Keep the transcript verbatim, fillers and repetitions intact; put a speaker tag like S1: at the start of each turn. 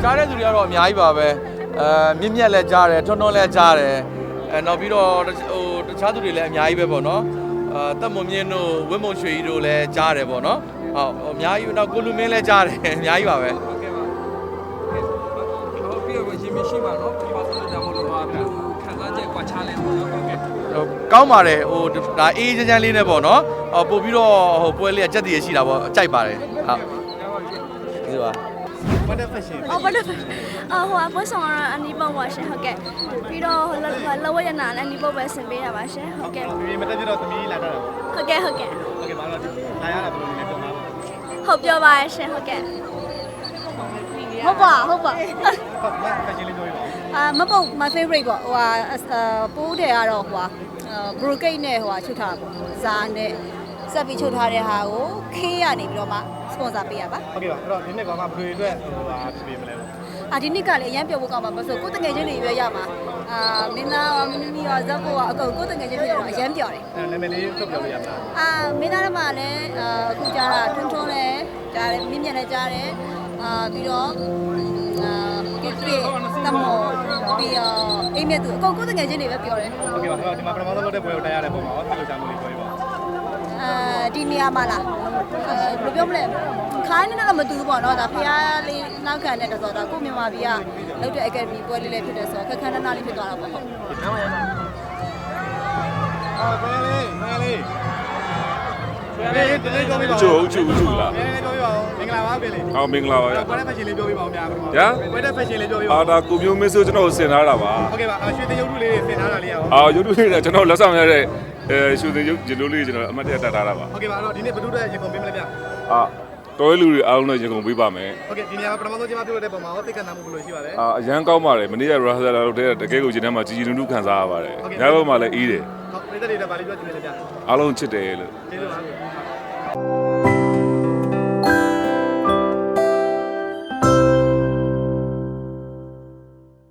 S1: ကြားတဲ့သူတွေကတော့အများကြီးပါပဲအဲမြင့်မြတ်လည်းကြားတယ်ထွန်းထွန်းလည်းကြားတယ်အဲနောက်ပြီးတော့ဟိုတခြားသူတွေလည်းအများကြီးပဲပေါ့နော်အာတက်မွန်မြင့်တို့ဝင်းမုံရွှေကြီးတို့လည်းကြားတယ်ပေါ့နော်ဟုတ်အများကြီးနောက်ကိုလူမင်းလည်းကြားတယ်အများကြီးပါပဲ
S2: ဟုတ်ကဲ့ပါဟုတ်ကဲ့ဟုတ်ပြီးတော့ရှင်မရှိပါတော့ဒီမှာဆိုတော့ဒါမို့လို့ပါဘယ်လိုခံစားချက်ကွာခြားလဲပေါ့နော်ဟုတ်ကဲ့
S1: ကောင်းပါတယ်ဟိုဒါအေးချမ်းချမ်းလေးနဲ့ပေါ့နော်ဟိုပို့ပြီးတော့ဟိုပွဲလေးကကြက်တည်ရရှိတာပေါ့ကြိုက်ပါတယ်ဟုတ်ဒီပါ
S3: ဘာတဲ့ fashion
S4: အော်ဘာတဲ့အော်ဟိုအပေါ်ဆောင်ရအနီးပေါ့ပါရှင်ဟုတ်ကဲ့ပြီးတော့ဟိုလောဝရနာလည်းအနီးပေါ့ပဲဆင်ပေးတာပါရှင်ဟုတ်ကဲ့
S3: ဒီမတက်ပြတော့သမီးလာတာ
S4: ဟုတ်ကဲ့ဟုတ်ကဲ့
S3: ဟုတ်ကဲ့ပါတော့လာရတာဘယ်လိုလဲတော့ပါ
S4: ဟုတ်ပြောပါရှင်ဟုတ်ကဲ့
S5: ဟုတ်ပါဟုတ်ပါ
S3: ဟုတ်မ fashion လေးပြောပြပါဦး
S5: အာမပုတ် my favorite ပေါ့ဟိုဟာပိုးတယ်ကတော့ဟိုဟာ brocade နဲ့ဟိုဟာချုပ်ထားတာပေါ့ဇာနဲ့ဆက်ပြီးချုပ်ထားတဲ့ဟာကိုခေးရနေပြီးတော့မှ sponsor ပေးရပါ
S3: ဟုတ်ကဲ့ပါအဲ့တော့ဒီနေ့ကောင်မှဘယ်လိုအတွက်ဟိုဟာပြင်မလဲ
S5: အာဒီနှစ်ကလည်းအရင်ပြောဖို့ကောင်းပါမဆိုကိုတငယ်ချင်းတွေရွေးရမှာအာမင်းသားမင်းမီရောဇက်ဖို့ကအကုန်ကိုတငယ်ချင်းဖြစ်တော့အရင်ပြောတယ်
S3: အဲ့နာမည်လေးထုတ်ပြောလို့ရမလား
S5: အာမင်းသားကမှလည်းအခုကြားတာထွန်းထွန်းလည်းကြားတယ်မြင့်မြတ်လည်းကြားတယ်အာပြီးတော့အာကစ်ပြေတမောပြီးတော့အိမ်မြတ်သူအကုန်ကိုတငယ်ချင်းတွေပဲပြောတယ်
S3: ဟုတ်ကဲ့ပါအဲ့တော့ဒီမှာပထမဆုံးလုပ်တဲ့ပွဲကိုတက်ရတဲ့ပုံမှာဆက်လို့ချမ်းလို့လေးပြောပြပါ
S5: အာဒီနေရာမှာလားအဲဘယ်လိုပြောမလဲခိုင်းနေတော့မတူဘူးပေါ့နော်ဒါဖျားလေးနောက်ခံတဲ့တစောဒါကိုမြန်မာပြည်ကလုပ်တဲ့ academy ပွဲလေးလေးဖြစ်တဲ့ဆိုတော့ခက်ခန်းနားလေးဖြစ်သွားတာပေါ့ဟုတ်
S3: အော်ဘယ်လေးဘယ်လေးဘယ်လေးတလေးပြောပြပါဦး
S6: ကျိုးကျိုးကျိုးလား
S3: ဘယ်လေးပြောပြပါဦးမင်္ဂလာပါဘယ်လေး
S6: ဟောမင်္ဂလာပါ
S3: ဘယ်တဲ့ fashion လေးပြောပြပါဦးများပါ
S6: ဗျာ
S3: ဘယ်တဲ့ fashion လေးပြောပြပါ
S6: အာဒါကိုမျိုးမင်းဆိုကျွန်တော်ဆင်ထားတာပါ
S3: ဟုတ်ကဲ့ပါရွှေသရုပ်ထုလေးတွေဆင်ထားတာလေးရအောင်
S6: အာရုပ်ထုလေးကျွန်တော်လက်ဆောင်ရတဲ့အဲရွှေသရုပ်ဂျလိုလေးကျွန်တော်အမတ်တရတက်ထားတာပါ
S3: ဟုတ်ကဲ့ပါအဲ့တော့ဒီနေ့ဘယ်သူတဲ့ရေကုန်ပေးမလဲဗျ
S6: အာတော်ရလူတွေအားလုံးနဲ့ရေကုန်ပေးပါမယ်
S3: ဟုတ်ကဲ့ဒီနေရာမှာပထမဆုံးကျွန်မပြောတဲ့ပုံမှာဟောသိက္ခာနာမှုဘယ်လိုရှိပါလဲ
S6: အာအရန်ကောင်းပါတယ်မနေ့ကရာဇာလာတို့တဲ့တကယ်ကိုဂျင်းထဲမှာကြီးကြီးနုနုခံစားရပါတယ်ညဘက်မှာလည်းအေးတယ်
S3: ဟုတ်ပြည်သက်တွေလည်းဗာလေးပြောချင်တယ်ဗျ
S6: အားလုံးချစ်တယ်လို့
S3: ကျေးဇူးပါ